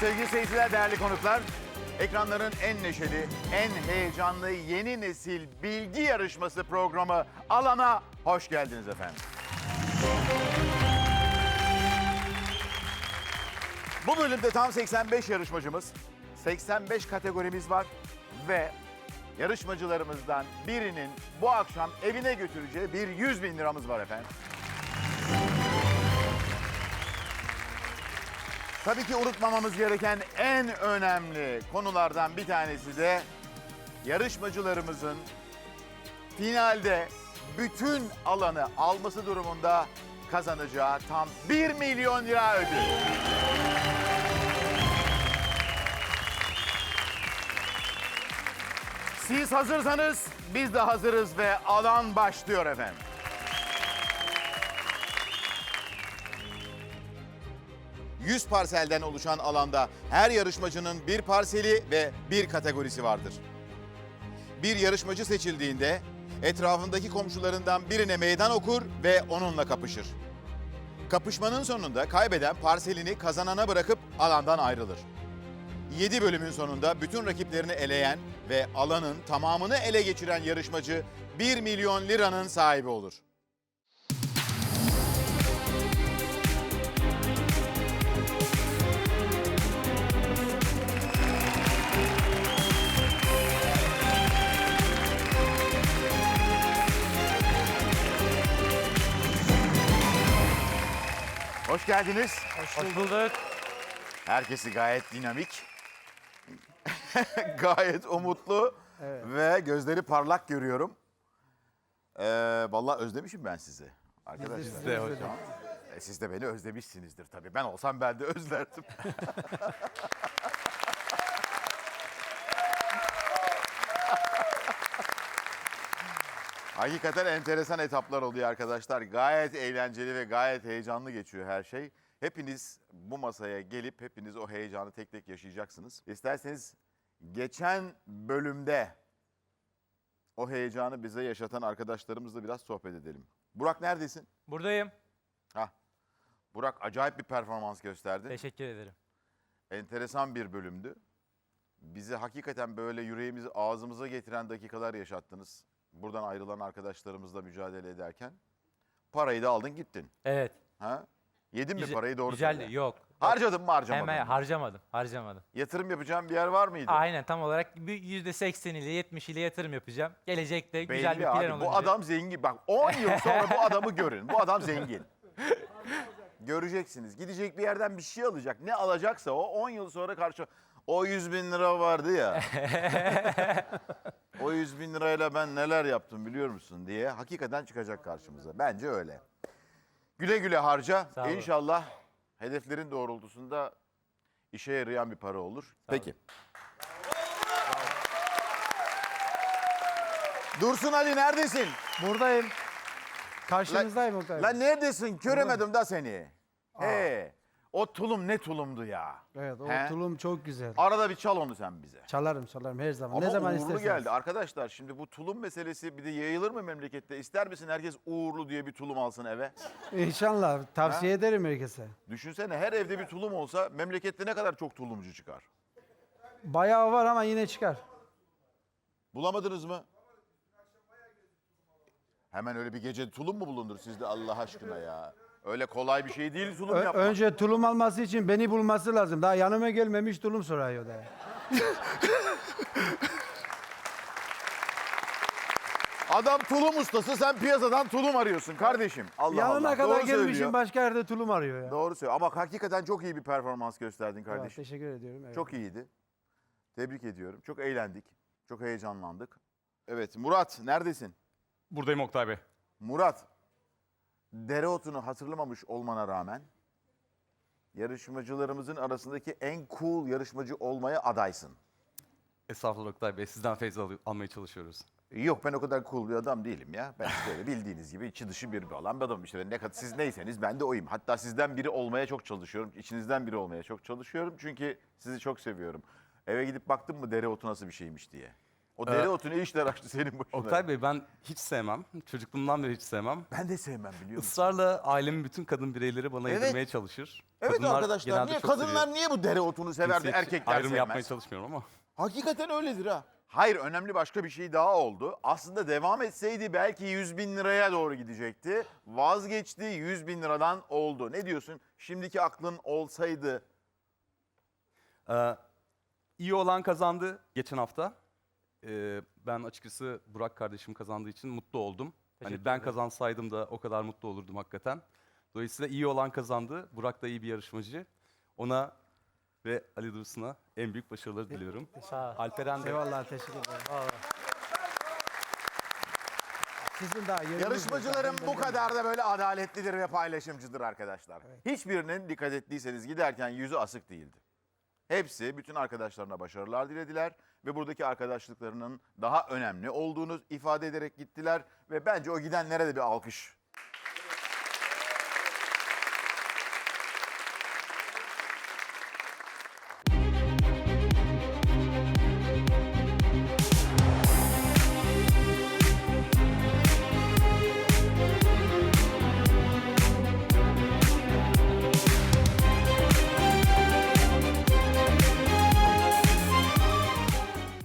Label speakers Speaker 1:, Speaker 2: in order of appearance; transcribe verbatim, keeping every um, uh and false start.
Speaker 1: Sevgili seyirciler, değerli konuklar, ekranların en neşeli, en heyecanlı yeni nesil bilgi yarışması programı Alan'a hoş geldiniz efendim. Bu bölümde tam seksen beş yarışmacımız, seksen beş kategorimiz var ve yarışmacılarımızdan birinin bu akşam evine götüreceği bir yüz bin liramız var efendim. Tabii ki unutmamamız gereken en önemli konulardan bir tanesi de yarışmacılarımızın finalde bütün alanı alması durumunda kazanacağı tam bir milyon lira ödül. Siz hazırsanız biz de hazırız ve alan başlıyor efendim. yüz parselden oluşan alanda her yarışmacının bir parseli ve bir kategorisi vardır. Bir yarışmacı seçildiğinde etrafındaki komşularından birine meydan okur ve onunla kapışır. Kapışmanın sonunda kaybeden parselini kazanana bırakıp alandan ayrılır. yedi bölümün sonunda bütün rakiplerini eleyen ve alanın tamamını ele geçiren yarışmacı bir milyon liranın sahibi olur. Hoş geldiniz.
Speaker 2: Hoş bulduk.
Speaker 1: Herkesi gayet dinamik, gayet umutlu
Speaker 2: Evet.
Speaker 1: ve gözleri parlak görüyorum. Ee, vallahi özlemişim ben sizi arkadaşlar.
Speaker 2: Biz de hocam.
Speaker 1: E, siz de beni özlemişsinizdir tabii. Ben olsam ben de özlerdim. Hakikaten enteresan etaplar oluyor arkadaşlar. Gayet eğlenceli ve gayet heyecanlı geçiyor her şey. Hepiniz bu masaya gelip hepiniz o heyecanı tek tek yaşayacaksınız. İsterseniz geçen bölümde o heyecanı bize yaşatan arkadaşlarımızla biraz sohbet edelim. Burak neredesin?
Speaker 2: Buradayım.
Speaker 1: Hah. Burak acayip bir performans gösterdi.
Speaker 2: Teşekkür ederim.
Speaker 1: Enteresan bir bölümdü. Bizi hakikaten böyle yüreğimizi ağzımıza getiren dakikalar yaşattınız. Buradan ayrılan arkadaşlarımızla mücadele ederken. Parayı da aldın gittin.
Speaker 2: Evet.
Speaker 1: Ha? Yedin mi
Speaker 2: Güzel-
Speaker 1: parayı doğru
Speaker 2: Güzeldi.
Speaker 1: söyle.
Speaker 2: Yok.
Speaker 1: Harcadın mı harcamadın
Speaker 2: Hemen
Speaker 1: mı?
Speaker 2: harcamadım. Harcamadım.
Speaker 1: Yatırım yapacağım bir yer var mıydı?
Speaker 2: Aynen tam olarak bir yüzde seksen ile yetmiş ile yatırım yapacağım. Gelecekte
Speaker 1: Belli
Speaker 2: güzel bir plan
Speaker 1: abi.
Speaker 2: olacak.
Speaker 1: Bu adam zengin. Bak on yıl sonra bu adamı görün. Bu adam zengin. Göreceksiniz. Gidecek bir yerden bir şey alacak. Ne alacaksa o on yıl sonra karşı... O yüz bin lira vardı ya. O yüz bin lirayla ben neler yaptım biliyor musun diye hakikaten çıkacak karşımıza. Bence öyle. Güle güle harca.
Speaker 2: Sağ olun.
Speaker 1: İnşallah hedeflerin doğrultusunda işe yarayan bir para olur. Peki. Dursun Ali neredesin?
Speaker 3: Buradayım. Karşınızdayım Oktay Bey.
Speaker 1: Lan neredesin? Göremedim da seni. He. O tulum ne tulumdu ya.
Speaker 3: Evet o
Speaker 1: He?
Speaker 3: tulum çok güzel.
Speaker 1: Arada bir çal onu sen bize.
Speaker 3: Çalarım çalarım her zaman.
Speaker 1: Ama
Speaker 3: ne zaman
Speaker 1: uğurlu
Speaker 3: isterseniz.
Speaker 1: geldi. Arkadaşlar şimdi bu tulum meselesi bir de yayılır mı memlekette? İster misin herkes uğurlu diye bir tulum alsın eve?
Speaker 3: İnşallah tavsiye ederim herkese.
Speaker 1: Düşünsene her evde bir tulum olsa memlekette ne kadar çok tulumcu çıkar.
Speaker 3: Bayağı var ama yine çıkar.
Speaker 1: Bulamadınız mı? Hemen öyle bir gece tulum mu bulundur sizde Allah aşkına ya? Öyle kolay bir şey değil tulum
Speaker 3: Ö-
Speaker 1: yapmak.
Speaker 3: önce tulum alması için beni bulması lazım. Daha yanıma gelmemiş tulum soruyor da.
Speaker 1: Adam tulum ustası, sen piyasadan tulum arıyorsun kardeşim. Allah
Speaker 3: Yanına
Speaker 1: Allah.
Speaker 3: kadar
Speaker 1: Doğru
Speaker 3: gelmişim
Speaker 1: söylüyor.
Speaker 3: başka yerde tulum arıyor ya.
Speaker 1: Doğru söylüyor. Ama hakikaten çok iyi bir performans gösterdin
Speaker 3: Evet,
Speaker 1: kardeşim.
Speaker 3: teşekkür ediyorum. Evet.
Speaker 1: Çok iyiydi. Tebrik ediyorum. Çok eğlendik. Çok heyecanlandık. Evet Murat neredesin?
Speaker 4: Buradayım Oktay Bey.
Speaker 1: Murat, dereotunu hatırlamamış olmana rağmen yarışmacılarımızın arasındaki en cool yarışmacı olmaya adaysın.
Speaker 4: Estağfurullah Oktay Bey. Sizden feyiz al- almaya çalışıyoruz.
Speaker 1: Yok ben o kadar cool bir adam değilim ya. Ben böyle bildiğiniz gibi içi dışı bir olan bir adamım. İşte ne kadar siz neyseniz ben de oyum. Hatta sizden biri olmaya çok çalışıyorum. İçinizden biri olmaya çok çalışıyorum. Çünkü sizi çok seviyorum. Eve gidip baktım mı dereotu nasıl bir şeymiş diye. O dereotu ne işler açtı senin başına?
Speaker 4: Oktay Bey ben hiç sevmem. Çocukluğumdan beri hiç sevmem.
Speaker 1: Ben de sevmem biliyor musun?
Speaker 4: Israrla ailemin bütün kadın bireyleri bana
Speaker 1: Evet.
Speaker 4: yedirmeye çalışır.
Speaker 1: Evet
Speaker 4: Kadınlar
Speaker 1: arkadaşlar
Speaker 4: genelde
Speaker 1: niye
Speaker 4: çok
Speaker 1: kadınlar
Speaker 4: seviyor.
Speaker 1: niye bu dereotunu sever de
Speaker 4: Cinsiyetçi
Speaker 1: erkekler
Speaker 4: ayrım yapmaya
Speaker 1: sevmez?
Speaker 4: çalışmıyorum ama.
Speaker 1: Hakikaten öyledir ha. Hayır önemli başka bir şey daha oldu. Aslında devam etseydi belki yüz bin liraya doğru gidecekti. Vazgeçti yüz bin liradan oldu. Ne diyorsun? Şimdiki aklın olsaydı.
Speaker 4: Ee, iyi olan kazandı geçen hafta. Ee, ben açıkçası Burak kardeşim kazandığı için mutlu oldum. Hani
Speaker 2: Teşekkür
Speaker 4: ben
Speaker 2: ederim.
Speaker 4: kazansaydım da o kadar mutlu olurdum hakikaten. Dolayısıyla iyi olan kazandı. Burak da iyi bir yarışmacı. Ona ve Ali Dursun'a en büyük başarıları diliyorum.
Speaker 2: Sağ ol.
Speaker 4: Alperen de
Speaker 3: Eyvallah teşekkür ederim.
Speaker 2: Vallahi.
Speaker 3: Sizin daha yeriniz yok.
Speaker 1: Yarışmacılarım
Speaker 3: Ben
Speaker 1: bu
Speaker 3: de-
Speaker 1: kadar da böyle adaletlidir ve paylaşımcıdır arkadaşlar. Hiçbirinin dikkat ettiyseniz giderken yüzü asık değildi. Hepsi bütün arkadaşlarına başarılar dilediler ve buradaki arkadaşlıklarının daha önemli olduğunu ifade ederek gittiler ve bence o gidenlere de bir alkış